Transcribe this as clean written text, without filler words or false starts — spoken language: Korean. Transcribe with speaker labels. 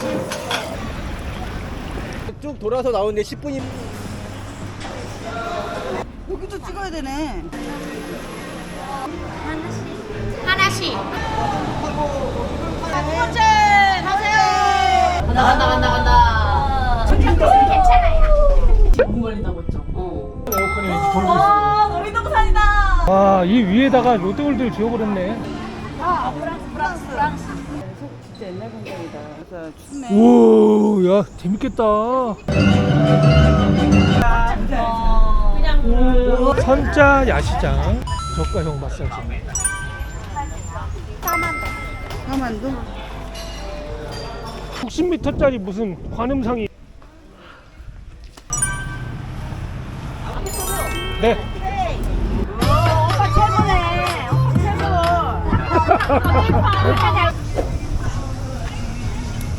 Speaker 1: 쭉 돌아서 나오는데 10분이.
Speaker 2: 여기도 찍어야 되네.
Speaker 3: 하나씩.
Speaker 2: 하체
Speaker 3: 간다. 괜찮아요.
Speaker 4: 너무 걸린다고 했죠?
Speaker 5: 에어컨이 돌고 있어.
Speaker 2: 놀이동산이다.
Speaker 5: 와, 이 위에다가 롯데월드를 지어버렸네.
Speaker 2: 프랑스. 진짜 옛날 공장이다. 그래서 춥네.
Speaker 5: 오, 야, 재밌겠다. 선자 야시장 저가형 마사지.
Speaker 2: 가만도.
Speaker 5: 60m짜리 무슨 관음상이. 네.
Speaker 2: 오빠 최고네. 오빠 최고.